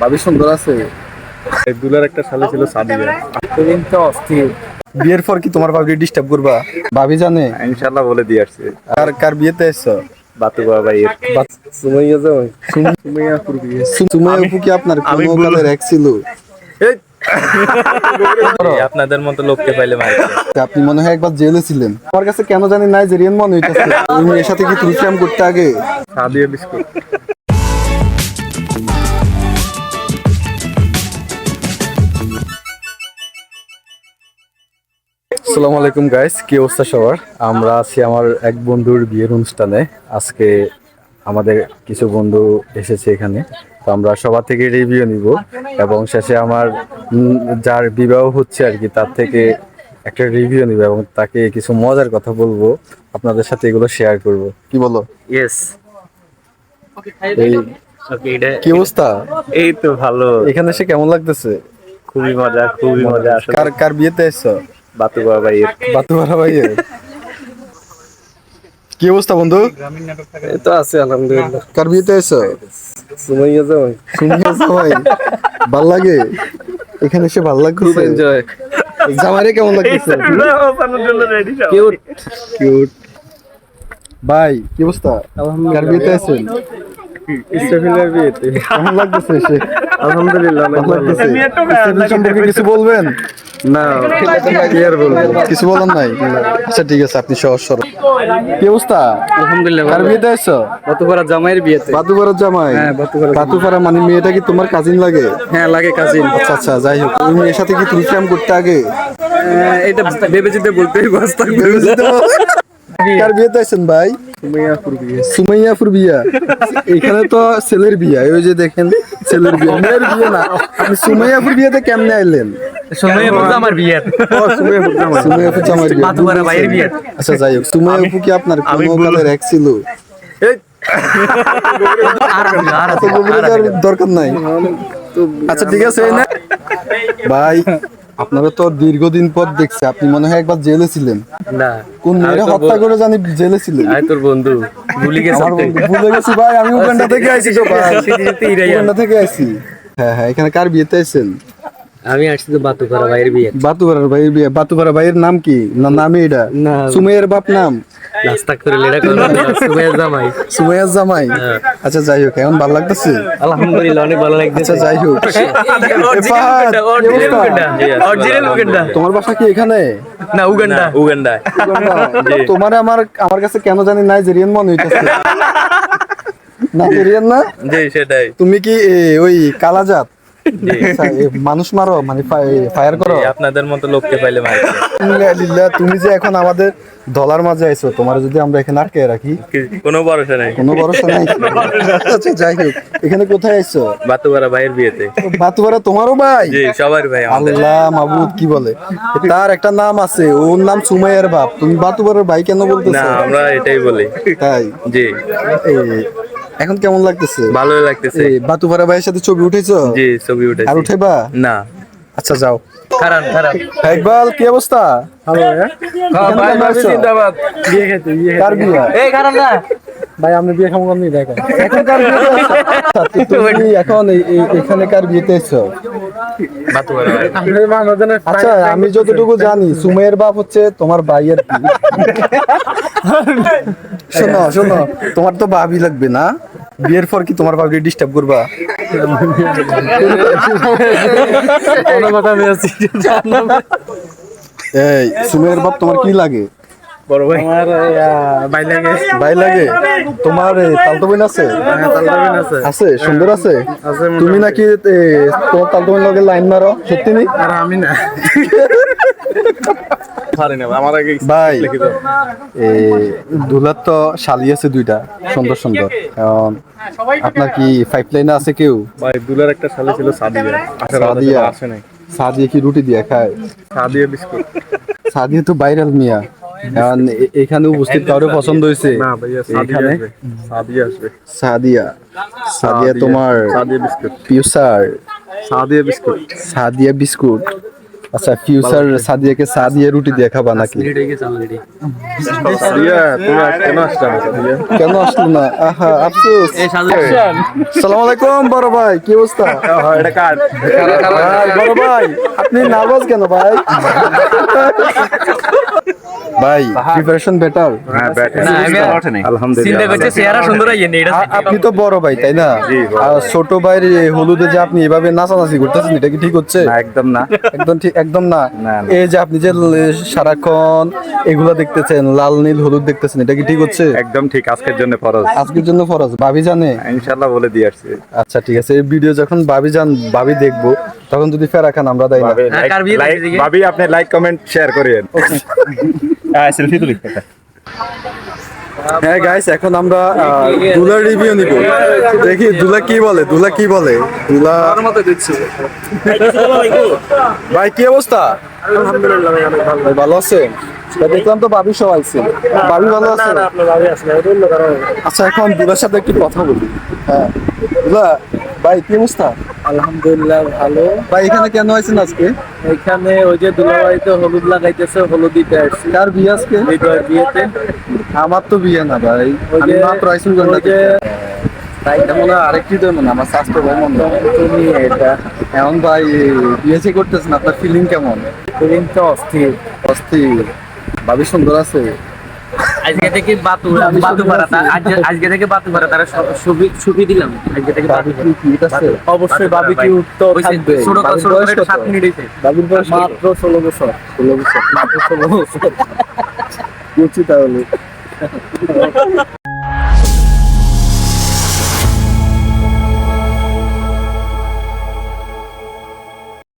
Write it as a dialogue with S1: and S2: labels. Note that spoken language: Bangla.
S1: ভাবি সুন্দর আছে।
S2: দুলার একটা শালি ছিল সাদিয়া।
S1: এতদিন তো অস্থির। বিয়ের পর কি তোমার ভাবি ডিস্টার্ব করবা? ভাবি জানে
S2: ইনশাল্লাহ বলে দিয়ে আসছে।
S1: কার কার বিয়েতে এসছো?
S2: বাতু বাবাইয়ের।
S1: সুমাইয়া জামাই। সুমাইয়া আপুর বিয়ে। সুমাইয়া আপু কি আপনার কোনো কালের এক ছিল?
S2: আপনাদের মতো লোককে পাইলে মারি।
S1: আপনি মনে হয় একবার জেলে ছিলেন। আমার কাছে কেন জানি নাইজেরিয়ান মনে হইতেছে। তুমি এর সাথে কি তুলছিলাম করতে আগে?
S2: সাদিয়া বিস্কুট।
S1: আসসালামু আলাইকুম গাইস, কি অবস্থা সবার? আমরা আছি আমার এক বন্ধুর বিয়ের অনুষ্ঠানে। আজকে আমাদের কিছু বন্ধু এসেছে এখানে, তো আমরা সবার থেকে রিভিউ নিব এবং শেষে আমার যার বিবাহ হচ্ছে আর কি তার থেকে একটা রিভিউ নিব এবং তাকে কিছু মজার কথা বলবো, আপনাদের সাথে এগুলো শেয়ার করব। কি বলো?
S2: ইয়েস।
S1: এই কি অবস্থা?
S2: এই তো ভালো।
S1: এখানে এসে কেমন লাগতেছে?
S2: খুবই মজা, খুবই মজা।
S1: কার কার বিয়েতে এসছো?
S2: বাতু বাবাইয়ের।
S1: বাতুয়ারা ভাইয়ের। কি অবস্থা বন্ধু?
S2: এই তো আছে আলহামদুলিল্লাহ।
S1: কার বিয়েতে এসছো?
S2: সুমাইয়া জামাই।
S1: সুমিয়া জামাই। ভাল লাগে এখানে এসে? ভাল লাগছে?
S2: খুব এনজয়।
S1: জামাইরে কেমন লাগতেছে?
S2: কিউট।
S1: কিউট। ভাই কি অবস্থা? কার বিয়েতে আছেন?
S2: ইস্তাফিলের বিয়েতে।
S1: কেমন লাগতেছে এসে?
S2: আলহামদুলিল্লাহ অনেক
S1: ভালো
S2: ভালো
S1: লাগতেছে। ইস্তাফিল সম্পর্কে কিছু বলবেন?
S2: না, কি আর বলবো।
S1: কিছু বলার নাই? আচ্ছা ঠিক আছে, আপনি সহজ সরল। কি অবস্থা?
S2: আলহামদুলিল্লাহ
S1: কার
S2: ভালো।
S1: বিয়েতে আসছো?
S2: বাতুপাড়া জামাইয়ের বিয়েতে।
S1: বাতুপাড়ার জামাই?
S2: হ্যাঁ, বাতুপাড়া।
S1: বাতুপাড়া মানে মেয়েটা কি তোমার কাজিন লাগে?
S2: হ্যাঁ লাগে, কাজিন।
S1: আচ্ছা আচ্ছা, যাই হোক। তুমি এর সাথে কি তুলছিলাম করতে আগে?
S2: এটা ভেবে চিন্তে বলতেই
S1: কার বিয়েতে আছেন ভাই?
S2: সুমাইয়াপুর বিয়ে।
S1: সুমাইয়াপুর বিয়া। এখানে তো ছেলের বিয়া, ওই যে দেখেন ছেলের বিয়া, মেয়ের বিয়ে না। আপনি সুমাইয়াপুর বিয়েতে কেমনে আইলেন?
S2: সুমাইয়াপুর জামার বিয়ে।
S1: সুমাইয়াপুর জামাই বিয়া।
S2: বাতুপাড়া ভাইয়ের বিয়ে।
S1: আচ্ছা যাই হোক, সুমাইয়াপু কি আপনার কোনো কালের এক ছিল? এত গভীরে যাওয়ার দরকার নাই। আচ্ছা ঠিক আছে এই না ভাই, আপনারা তো দীর্ঘদিন পর দেখছি। আপনি মনে হয় একবার জেলে ছিলেন।
S2: না,
S1: কোন মেয়েরা হত্যা করে জানি জেলে ছিলেন?
S2: আয় তোর বন্ধু ভুলে গেছে।
S1: আমার বন্ধু ভুলে গেছি ভাই, আমি উগান্ডা থেকে আইছি তো ভাই। উগান্ডা থেকে আইছি। হ্যাঁ হ্যাঁ, এখানে কার বিয়েতে আছেন?
S2: আমি আসছি তো বাতুপাড়া ভাইয়ের বিয়ে।
S1: বাতুপাড়ার ভাইয়ের বিয়ে। বাতুপাড়া ভাইয়ের নাম কি? না নামই এটা?
S2: না।
S1: সুমাইয়ের বাপ নাম?
S2: নাস্তা করে লেডা করে সুমাইয়া জামাই।
S1: সুমাইয়ার জামাই। আচ্ছা যাই হোক, এখন ভালো লাগতেছে?
S2: আলহামদুলিল্লাহ অনেক ভালো লাগছে।
S1: আচ্ছা যাই হোক, তোমার বাসা কি এখানে?
S2: না, উগান্ডা। উগান্ডা।
S1: তোমার আমার আমার কাছে কেন জানি নাইজেরিয়ান মনে হইতেছে। নাইজেরিয়ান না?
S2: জি সেটাই।
S1: তুমি কি ওই কালাজাত? আচ্ছা, মানুষ মারো মানে ফায়ার করো?
S2: আপনাদের মতো লোককে পাইলে মারি।
S1: আলহামদুলিল্লাহ, তুমি যে এখন আমাদের দলার মাঝে আইছো, তোমার যদি আমরা এখানে আটকে রাখি?
S2: কোনো ভরসা নাই।
S1: কোনো ভরসা নাই। আচ্ছা যাই হোক, এখানে কোথায় আইছো?
S2: বাতুপাড়া ভাইয়ের বিয়েতে।
S1: বাতুয়ারা তোমারও ভাই?
S2: জি সবার ভাই আমাদের।
S1: আল্লাহ মাবুদ, কি বলে? তার একটা নাম আছে, ওর নাম সুমাইয়ার বাপ। তুমি বাতুয়ারার ভাই কেন
S2: না,
S1: বলতেছো?
S2: আমরা এটাই বলি।
S1: তাই?
S2: জি
S1: এই, এখন কেমন লাগতেছে?
S2: ভালোই লাগতেছে।
S1: বাতুয়ারা ভাইয়ের সাথে ছবি উঠেছো?
S2: জি ছবি উঠেছি।
S1: আর উঠেবা?
S2: না।
S1: আচ্ছা যাও।
S2: খারাপ খারাপ।
S1: ইকবাল কি অবস্থা? ভালো
S2: ভাই ভাবি জিন্দাবাদ।
S1: বিয়ে খেতে কার বিয়ে?
S2: এই খারাপ না
S1: ভাই আমরা বিয়ে খাবো কেমনি দেখেন। এখন কার বিয়েতে আছো? আচ্ছা, তুমি এখন এখানে কার বিয়েতে এসছো?
S2: বাতুপাড়া ভাই।
S1: আচ্ছা আমি যতটুকু জানি সুমাইয়ের বাপ হচ্ছে তোমার ভাইয়ের কি? শোনো শোনো, তোমার তো ভাবি লাগবে না? বিয়ের পর কি তোমার ভাবি ডিস্টার্ব করবা? এই সুমাইয়ের বাপ তোমার কি লাগে?
S2: বড় ভাই। আমার ভাই লাগে।
S1: ভাই লাগে? তোমার তালতো বোন আছে? আছে? সুন্দর আছে? তুমি নাকি তোমার তালতো বোন লগে লাইন মারো? সত্যি নেই?
S2: আর আমি না। আমার আগে
S1: ভাই দুলার তো শালি আছে দুইটা, সুন্দর সুন্দর। আপনার কি পাইপ লাইনে আছে কেউ?
S2: ভাই দুলার একটা শালি ছিল সাদিয়া।
S1: সাদিয়া?
S2: আসে নাই।
S1: সাদিয়া কি রুটি দিয়ে খায়?
S2: সাদিয়া বিস্কুট।
S1: সাদিয়া তো ভাইরাল মিয়া। এখন এখানে উপস্থিত কারো পছন্দ হয়েছে?
S2: না ভাইয়া, সাদিয়া
S1: এখানে
S2: আসবে। সাদিয়া আসবে।
S1: সাদিয়া? সাদিয়া তোমার
S2: Sadia biscuit.
S1: Future?
S2: Sadia biscuit.
S1: Sadia biscuit? আচ্ছা ফিউচার সাদিয়াকে চা দিয়ে রুটি দিয়ে খাবা নাকি?
S2: সাদিয়া তুমি কেন আসলে না সাদিয়া?
S1: কেন আসলো না? আহা আফসোস। সালাম আলাইকুম বড় ভাই, কি অবস্থা?
S2: এটা কার?
S1: ভাই, বড় ভাই আপনি নার্ভাস কেন ভাই? ভাই প্রিপারেশন বেটার।
S2: হ্যাঁ ব্যাট
S3: চিন্তা
S2: আলহামদুলিল্লাহ
S3: করছে চেহারা সুন্দর হয়নি এটা
S1: আপনি তো বড় ভাই তাই না?
S2: জি, বড়
S1: আর ছোট ভাইয়ের এই হলুদে যে আপনি এভাবে নাচানাচি করতেছেন এটা কি ঠিক হচ্ছে?
S2: না একদম না
S1: একদম ঠিক, একদম না।
S2: না, না।
S1: এই যে আপনি যে সারাক্ষণ এগুলা দেখতেছেন, লাল নীল হলুদ দেখতেছেন, এটা কি ঠিক হচ্ছে?
S2: একদম ঠিক আজকের জন্য ফরজ
S1: আজকের জন্য ফরজ। ভাবি জানে?
S2: ইনশাআল্লাহ বলে দিয়ে আসছি
S1: আচ্ছা ঠিক আছে, এই ভিডিও যখন ভাবি দেখবো তখন যদি ফেরা খান আমরা দেয় না।
S2: ভাবি
S3: হ্যাঁ, কার বিয়ে দেখেছি কি?
S2: ভাবি আপনি লাইক কমেন্ট শেয়ার করেন সেলফি তুলি
S1: হ্যাঁ গাইস, এখন আমরা দুলার রিভিউ নিব। দেখি দুলা কি বলে, দুলা কি বলে। দুলা ভাই কি অবস্থা?
S2: আলহামদুলিল্লাহ ভাই অনেক ভালো
S1: ভাই ভালো আছেন? তা দেখলাম তো ভাবি সব আইছে। ভাবি ভালো আছে?
S2: আপনার ভাবি আসলে এটা অন্য কারণ
S1: আচ্ছা এখন দুলার সাথে একটু কথা বলি। হ্যাঁ দুলা ভাই কি অবস্থা?
S4: আলহামদুলিল্লাহ ভালো।
S1: ভাই এখানে কেন আইছেন আজকে?
S4: এখানে ওই যে দুলাবাড়িতে হলুদ লাগাইতেছে, হলুদ দিতে আসছি
S1: কার বিয়ে আজকে?
S4: হৃদয়ের বিয়েতে।
S1: আমার তো বিয়ে না ভাই,
S4: ওই
S1: আমি
S4: যে-
S1: মাত্র আইসুন
S4: ওই যে
S1: তাই মনে হয় আরেকটি তো মনে হয় আমার স্বাস্থ্য ভাই মনে হয়।
S4: তুমি এটা
S1: এখন ভাই বিয়ে করতেছেন, আপনার ফিলিং কেমন?
S4: ফিলিং তো অস্থির।
S1: অস্থির। ভাবি সুন্দর আছে?
S3: আজকে থেকে বাতু পাড়া আজকে থেকে বাতু পাড়া তারা ছবি দিলাম আজকে থেকে
S1: ভাবি কি কিউট আছে?
S4: অবশ্যই বাবি কি উত্তর থাকবে।
S1: বাবির বয়স কত?
S3: 7 মিনিট হইছে
S1: ভাবির বয়স
S4: মাত্র 16 বছর।
S1: 16 বছর।
S4: মাত্র 16 বছর।
S1: বুঝছি তাহলে।